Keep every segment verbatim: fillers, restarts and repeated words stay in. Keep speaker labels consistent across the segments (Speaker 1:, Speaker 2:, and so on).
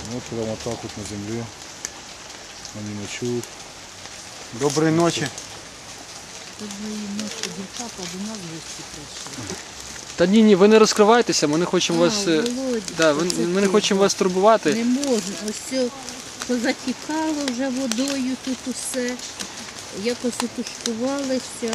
Speaker 1: Вот прямо так вот на земле. Они ночуют.
Speaker 2: Доброї ночі.
Speaker 3: Доброї ночі, дівчата до нас в гості прийшли.
Speaker 4: Та ні, ні, ви не розкривайтеся, ми не хочемо
Speaker 3: А,
Speaker 4: вас. е,
Speaker 3: Володя,
Speaker 4: Да, ви-
Speaker 3: це
Speaker 4: ми не
Speaker 3: ти,
Speaker 4: хочемо
Speaker 3: да.
Speaker 4: вас турбувати.
Speaker 3: Не можна. Ось все позатікало вже водою тут усе. Якось утушкувалися.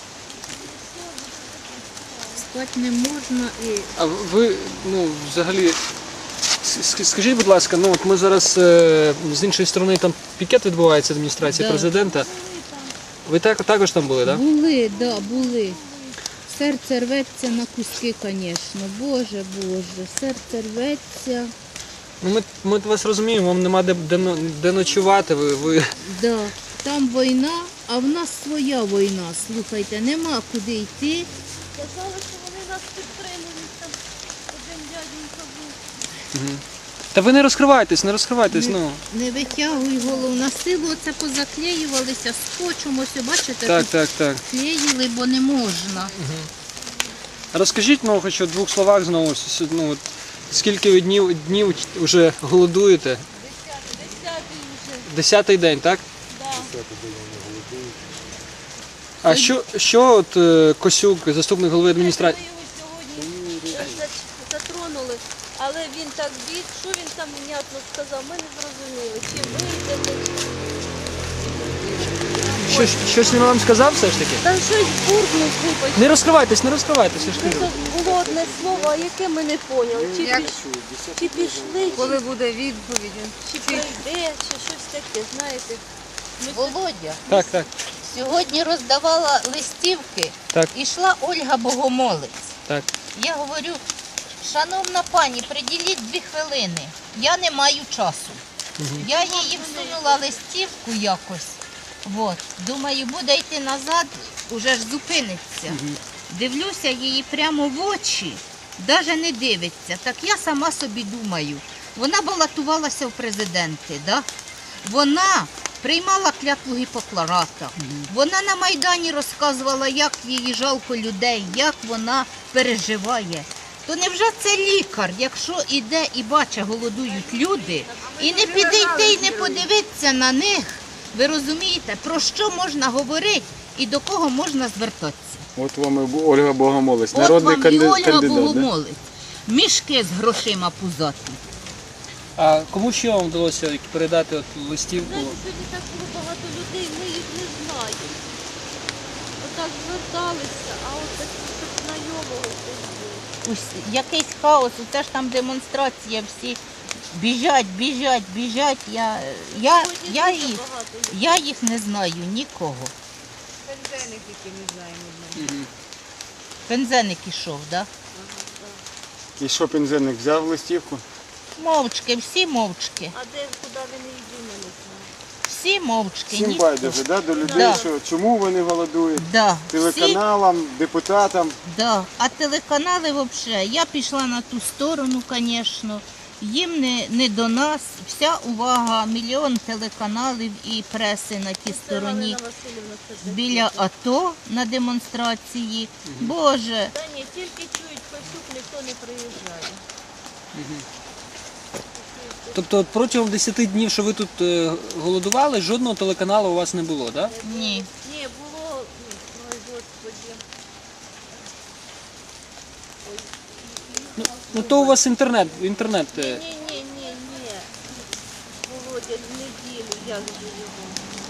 Speaker 3: Спати не можна і
Speaker 4: А ви, ну, взагалі, с- с- скажіть, будь ласка, ну от ми зараз е, з іншої сторони там пікет відбувається адміністрації
Speaker 3: Да.
Speaker 4: президента. Ви так, також там були, так? Да?
Speaker 3: були, да, були. Серце рветься на куски, звісно. Боже, Боже, серце рветься.
Speaker 4: Ну, ми, ми вас розуміємо, вам нема де, де, но- де ночувати. Ви, ви...
Speaker 3: Да, там війна, а в нас своя війна. Слухайте, нема куди йти.
Speaker 5: Казали, що вони нас підтримують, там один дяденька був.
Speaker 4: Та ви не розкривайтесь, не розкривайтесь.
Speaker 3: Не-
Speaker 4: Ну.
Speaker 3: Не витягуй голову на силу, оце позаклеювалися скотчем, ось бачите,
Speaker 4: Так,
Speaker 3: тут
Speaker 4: так, так.
Speaker 3: клеїли, бо не можна.
Speaker 4: Розкажіть, ну, хоч у двох словах знову, с- ну, от, скільки ви днів, днів вже голодуєте?
Speaker 5: Десятий вже,
Speaker 4: Десятий день, так?
Speaker 5: да.
Speaker 4: А що, що от е, Косюк, заступник голови адміністрації?
Speaker 5: Ми його сьогодні зач- затронули, але він так біг, що він там внятно сказав, ми не зрозуміли, чи вийде, чи...
Speaker 4: Що, щось він вам сказав все ж таки?
Speaker 5: Та щось буркнув, вибач.
Speaker 4: Не розкривайтесь, не розкривайтесь, я ж
Speaker 5: Ну,
Speaker 4: кажу.
Speaker 5: то було одне слово, а яке ми не поняли. Чи, піш... чи пішли,
Speaker 6: Коли
Speaker 5: чи...
Speaker 6: буде відповідь?
Speaker 5: чи прийде, чи щось таке, знаєте. Ми
Speaker 3: Володя,
Speaker 4: Так, так,
Speaker 3: сьогодні роздавала листівки,
Speaker 4: так,
Speaker 3: ішла Ольга Богомолець.
Speaker 4: так.
Speaker 3: Я говорю, шановна пані, приділіть дві хвилини, я не маю часу. Я їй всунула листівку якось. От. Думаю, буде йти назад, уже ж зупиниться. Дивлюся її прямо в очі, навіть не дивиться. Так я сама собі думаю, вона балотувалася в президенти, да? Вона приймала клятву Гіппократа, вона на Майдані розказувала, як їй жалко людей, як вона переживає. То невже це лікар, якщо іде і бачить, голодують люди, і не підійти і не подивитися на них, ви розумієте, про що можна говорити і до кого можна звертатися?
Speaker 2: От вам і Ольга Богомолець,
Speaker 3: От
Speaker 2: народний
Speaker 3: вам і
Speaker 2: канди-
Speaker 3: Ольга
Speaker 2: кандидат. Да?
Speaker 3: Богомолець, мішки з грошима пузаті.
Speaker 4: А кому ще вам вдалося передати от листівку?
Speaker 5: знаєте, сьогодні так було багато людей, ми їх не знаємо. Отак зверталися, а от так щоб знайомого хтось був.
Speaker 3: Ось якийсь хаос, це ж там демонстрація, всі біжать, біжать, біжать. Я, я,
Speaker 5: Сьогодні
Speaker 3: я,
Speaker 5: дуже
Speaker 3: їх,
Speaker 5: багато людей.
Speaker 3: я їх не знаю, нікого.
Speaker 6: Пензеник, який не знаємо.
Speaker 3: Пензеник ішов, так?
Speaker 2: І що пензенник взяв листівку?
Speaker 3: Да? Мовчки, всі мовчки.
Speaker 5: А де, куди вони йдуть, ми не знаємо.
Speaker 3: Всі мовчки.
Speaker 2: Всім
Speaker 3: ніхто.
Speaker 2: байдуже, да? До людей,
Speaker 3: Да.
Speaker 2: що чому вони голодують?
Speaker 3: Да, всі,
Speaker 2: Телеканалам, депутатам.
Speaker 3: да. А телеканали взагалі, я пішла на ту сторону, звісно. Їм не, не до нас. Вся увага, мільйон телеканалів і преси на тій стороні.
Speaker 5: Галина Васильівна це таке.
Speaker 3: Біля АТО на демонстрації. Боже,
Speaker 5: Та ні, тільки чують Косюк, ніхто не приїжджає.
Speaker 4: Тобто от протягом десяти днів, що ви тут е, голодували, жодного телеканалу у вас не було, так? Да?
Speaker 3: ні.
Speaker 5: Ні, було, ой, Господи.
Speaker 4: Ну, ну то у вас інтернет, інтернет. е,
Speaker 5: Ні, ні, ні, ні. Володя, в неділю, як же його?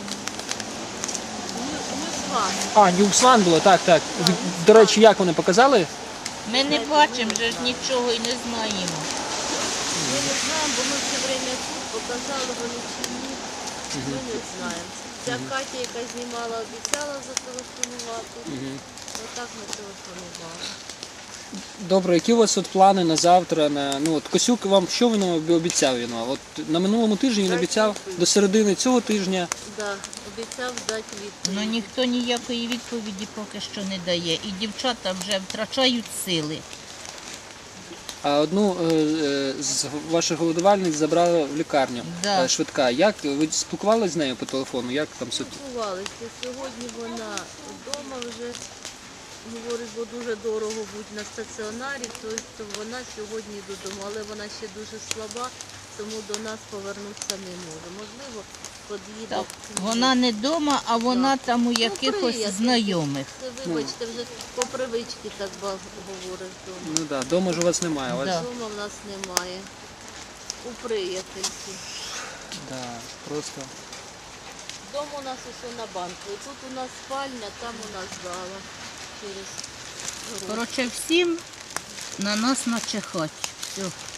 Speaker 5: Ньюсван.
Speaker 4: А, Ньюсван було, так, так. Ви, до речі, як вони показали?
Speaker 3: Ми не бачимо вже ж нічого і не знаємо.
Speaker 5: Ми не знаємо, бо ми все время тут показали, вони чи ні. Ми не знаємо. Ця Катя, яка знімала, обіцяла зателефонувати. Отак ми телефонували.
Speaker 4: Добре, які у вас от плани на завтра? На, ну, от Косюк вам, що він вам обіцяв? Він вам? От на минулому тижні він обіцяв до середини цього тижня.
Speaker 5: Да, обіцяв дати відповідь.
Speaker 3: Ну ніхто ніякої відповіді поки що не дає. І дівчата вже втрачають сили.
Speaker 4: А одну е, е, з ваших голодувальниць забрала в лікарню
Speaker 3: Да.
Speaker 4: е, швидка. Як ви спілкувалися з нею по телефону? Як там ситуація?
Speaker 5: Спілкувалися. Сьогодні вона вдома вже говорить, бо дуже дорого бути на стаціонарі, то, то вона сьогодні додому, але вона ще дуже слаба, тому до нас повернутися не може. Можливо, під'їде.
Speaker 3: Так, вона не вдома, а вона там у якихось
Speaker 5: приятель.
Speaker 3: знайомих.
Speaker 5: Це, вибачте, вже по привичці так ба- говориш вдома.
Speaker 4: Ну так, да, вдома ж у вас немає. У вас...
Speaker 3: Да.
Speaker 5: Вдома в нас немає. У приятельці.
Speaker 4: Да, просто.
Speaker 5: Дом у нас усе на банку. І тут у нас спальня, там у нас зала. Через город.
Speaker 3: Коротше, всім на нас начихать. Все.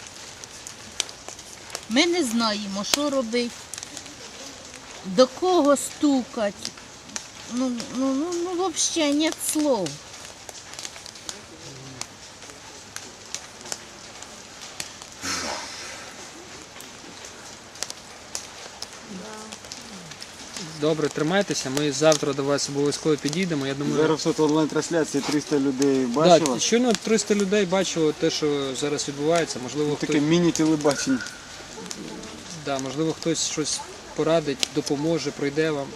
Speaker 3: Ми не знаємо, що робити, до кого стукати. Ну, ну, ну, ну взагалі нет слов.
Speaker 4: Добре, тримайтеся. Ми завтра до вас обов'язково підійдемо. Я думаю,
Speaker 2: Зараз тут онлайн-трансляції триста людей
Speaker 4: да,
Speaker 2: бачило.
Speaker 4: щойно триста людей бачило те, що зараз відбувається. Можливо,
Speaker 2: Таке
Speaker 4: хтось,
Speaker 2: міні-телебачення.
Speaker 4: да, можливо, хтось щось порадить, допоможе, прийде вам.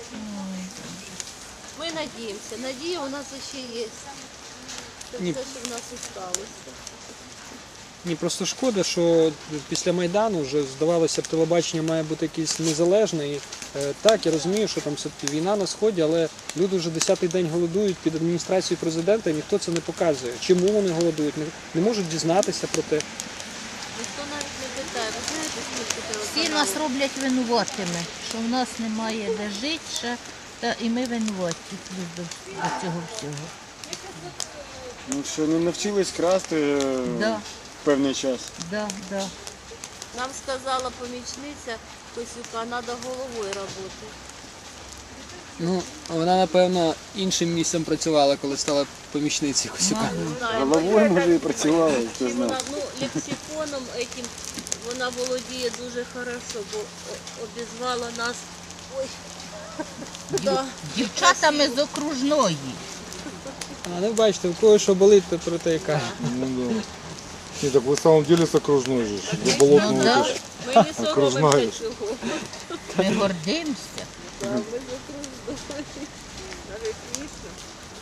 Speaker 5: Ми надіємося. Надія у нас ще є. Це
Speaker 4: Ні.
Speaker 5: все, що в нас і сталося.
Speaker 4: Ні, просто шкода, що після Майдану вже здавалося б, телебачення має бути якесь незалежне. І, е, так, я розумію, що там все-таки війна на Сході, але люди вже десятий день голодують під адміністрацією президента, і ніхто це не показує. Чому вони голодують? Не, не можуть дізнатися про те.
Speaker 5: Ніхто навіть не питає. Ви знаєте, скільки
Speaker 3: Всі
Speaker 5: телеканалів?
Speaker 3: нас роблять винуватими, що в нас немає де жити ще, та і ми винуваті до, до цього всього.
Speaker 2: Ну що, не навчились красти е,
Speaker 3: Да,
Speaker 2: певний час.
Speaker 3: да, да.
Speaker 5: Нам сказала помічниця Косюка, треба головою працювати.
Speaker 4: Ну, вона, напевно, іншим місцем працювала, коли стала помічницею Косюка.
Speaker 5: Не знаю,
Speaker 2: Головою, може, і працювала, хто
Speaker 5: І вона,
Speaker 2: знає.
Speaker 5: ну, лексиконом этим вона володіє дуже хорошо, бо о- обізвала нас. Ой. Да.
Speaker 3: Дівчатами з окружної.
Speaker 4: А ну бачите, у кого що болить, то про те і каже.
Speaker 1: Ну да. Не, так вы в самом деле с окружной же. До болотного
Speaker 3: Ну, да.
Speaker 1: это ж.
Speaker 5: Ми не соромимося
Speaker 1: Окружна.
Speaker 5: цього.
Speaker 3: Ми гордимося.
Speaker 5: Да, ми закруждої. Навіть смішно.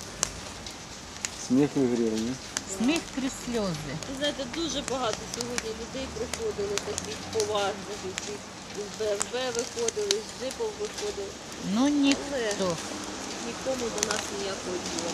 Speaker 2: Сміх в ігрі, ні?
Speaker 3: Сміх крізь сльози.
Speaker 5: Ви знаєте, дуже багато сьогодні людей приходили, таких поважних, які з Б М В виходили, з джипов виходили.
Speaker 3: Ну ніхто.
Speaker 5: Нікому до нас ніякого діла.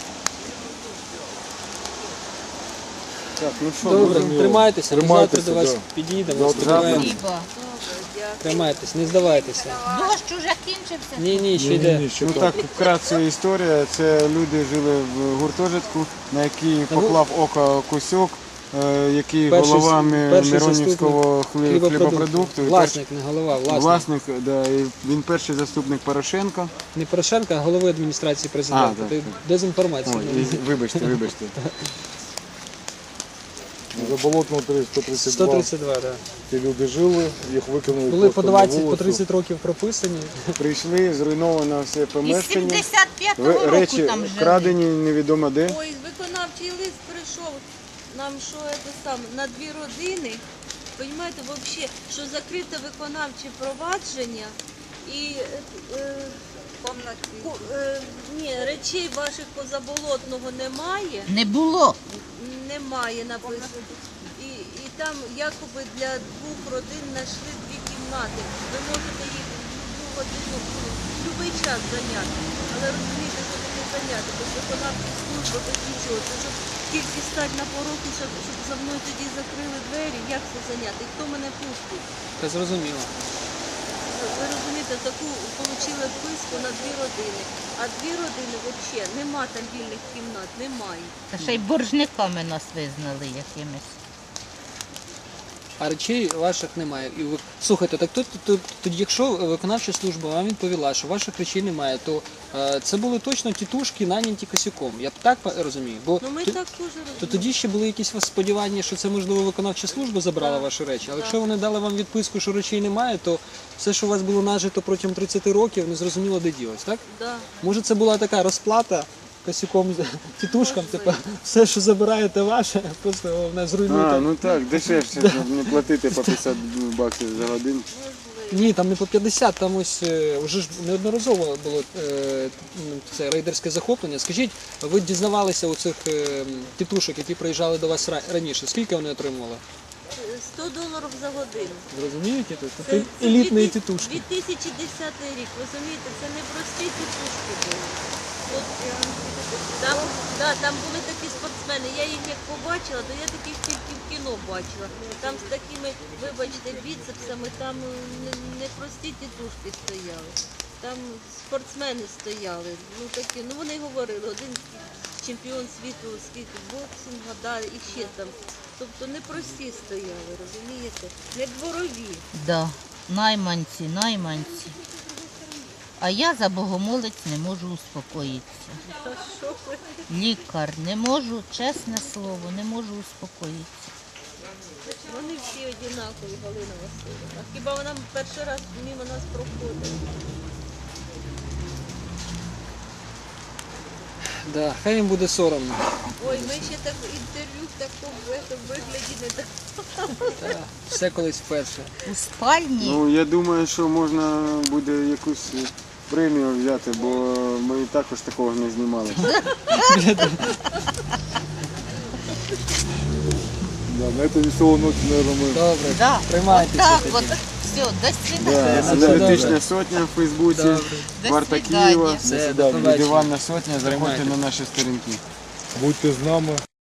Speaker 2: Так, ну що,
Speaker 4: Добре,
Speaker 2: будемо-
Speaker 4: тримайтеся, ми завтра
Speaker 1: Тримайтеся,
Speaker 4: до вас
Speaker 1: да.
Speaker 4: підійдемо,
Speaker 1: Завтра
Speaker 4: сподіваємося.
Speaker 3: Спасибо.
Speaker 5: Добре, дякую.
Speaker 4: Тримайтесь, не здавайтеся.
Speaker 3: Дощ уже кінчився.
Speaker 4: Ні, ні, ще
Speaker 1: Не,
Speaker 4: йде.
Speaker 1: не, не, еще
Speaker 2: Ну
Speaker 1: там.
Speaker 2: так, вкратце історія. Це люди жили в гуртожитку, на який поклав око Косюк, е, який
Speaker 4: Перший
Speaker 2: голова
Speaker 4: с-
Speaker 2: Ми-
Speaker 4: перший
Speaker 2: Миронівського
Speaker 4: заступник
Speaker 2: хлі- хлібопродукту. і
Speaker 4: Власник, не голова,
Speaker 2: перший-
Speaker 4: власник.
Speaker 2: Власник, да, і він перший заступник Порошенка.
Speaker 4: Не Порошенка, а голови адміністрації президента.
Speaker 2: А,
Speaker 4: Ти
Speaker 2: так.
Speaker 4: дезінформація.
Speaker 2: Ой, і- вибачте, вибачте.
Speaker 1: За болотного сто тридцать
Speaker 4: сто
Speaker 1: два.
Speaker 4: тридцять два, так.
Speaker 1: Ті люди жили, їх викинули
Speaker 4: Були по
Speaker 1: просто на
Speaker 4: двадцять, по
Speaker 1: вулицю.
Speaker 4: тридцять років прописані.
Speaker 2: Прийшли, зруйновано все
Speaker 3: І з
Speaker 2: помешкання.
Speaker 3: сімдесят п'ятого
Speaker 2: Ви-
Speaker 3: року
Speaker 2: Речі
Speaker 3: там жили.
Speaker 2: вкрадені невідомо де.
Speaker 5: Ой, виконавчий лист прийшов. Нам що це сам на дві родини. Понімаєте, взагалі, що закрите виконавче провадження і е, ку- е, ні, речей ваших позаболотного немає.
Speaker 3: Не було.
Speaker 5: Немає написано. І, і там якоби для двох родин знайшли дві кімнати. Ви можете їх в любу годину, ну, в будь-який час зайняти. Але розумієте, що таке зайняти, бо виконавчі служби без нічого. Це щоб тільки стати на порозі, щоб, щоб за мною тоді закрили двері, як це зайняти? І хто мене пустить?
Speaker 4: Та зрозуміло.
Speaker 5: Ви розумієте, таку отримали вписку на дві родини. А дві родини взагалі нема там вільних кімнат, немає.
Speaker 3: Та ще й боржниками нас визнали якимись.
Speaker 4: А речей ваших немає. І ви... Слухайте, так тут, тут, тоді, якщо виконавча служба вам відповіла, що ваших речей немає, то е, це були точно тітушки, наняті Косюком. Я так па- розумію. Бо
Speaker 5: Ну ми
Speaker 4: то-
Speaker 5: так теж розуміємо.
Speaker 4: То тоді ще були якісь у вас сподівання, що це можливо виконавча служба забрала
Speaker 5: Так.
Speaker 4: ваші речі. Але
Speaker 5: Так.
Speaker 4: якщо вони дали вам відписку, що речей немає, то все, що у вас було нажито протягом тридцяти років, не зрозуміло, де ділось, так?
Speaker 5: Да.
Speaker 4: Може, це була така розплата Косюком, тітушкам, типу, все, що забираєте ваше, просто головне зруйнуйте.
Speaker 2: А, ну так, дешевше, щоб не платити по п'ятдесят баксів за годину.
Speaker 4: Ні, там не по п'ятдесят, там ось е, вже ж неодноразово було е, ну, це рейдерське захоплення. Скажіть, ви дізнавалися у цих е, тітушок, які приїжджали до вас ра- раніше, скільки вони отримували?
Speaker 5: сто доларів за годину.
Speaker 4: Розумієте? Тут
Speaker 5: Це-
Speaker 4: Це
Speaker 5: це
Speaker 4: елітної
Speaker 5: дві ти-
Speaker 4: тітушки.
Speaker 5: дві тисячі десятий рік, розумієте, це не прості тітушки були. От, там, да, там були такі спортсмени, я їх як побачила, то я таких тільки в кіно бачила. Там з такими, вибачте, біцепсами, там не, не прості тітушки стояли. Там спортсмени стояли, ну такі, ну вони говорили, один чемпіон світу з кікбоксингу, да, і ще там. Тобто не прості стояли, розумієте? Не дворові.
Speaker 3: Да, найманці, найманці. А я за богомолець не можу успокоїтися.
Speaker 5: Та що ви?
Speaker 3: Лікар, не можу, чесне слово, не можу успокоїтися.
Speaker 5: Вони всі однакові, Галина Васильівна. Хіба вона перший раз мимо нас проходила?
Speaker 4: Да, хай їм буде соромно.
Speaker 5: Ой, ми ще так інтерв'ю в такому в этом вигляді не так.
Speaker 4: Та, все колись вперше.
Speaker 3: У спальні
Speaker 2: Ну, я думаю, що можна буде якусь премію взяти, бо ми також такого не знімали.
Speaker 1: Да, на этой веселой ноте, наверное, мы
Speaker 4: Добре,
Speaker 3: да,
Speaker 4: тримайтеся
Speaker 3: так
Speaker 4: тоді.
Speaker 3: от, все, до свидання.
Speaker 2: Да,
Speaker 4: все
Speaker 2: Аналітична
Speaker 4: добре.
Speaker 2: сотня в Фейсбуці,
Speaker 4: Добре.
Speaker 2: варта
Speaker 3: свидання.
Speaker 2: Києва,
Speaker 4: Все, до побачення.
Speaker 2: Диванна сотня, заходьте
Speaker 4: Тримайте.
Speaker 2: на наші сторінки.
Speaker 1: будьте з нами.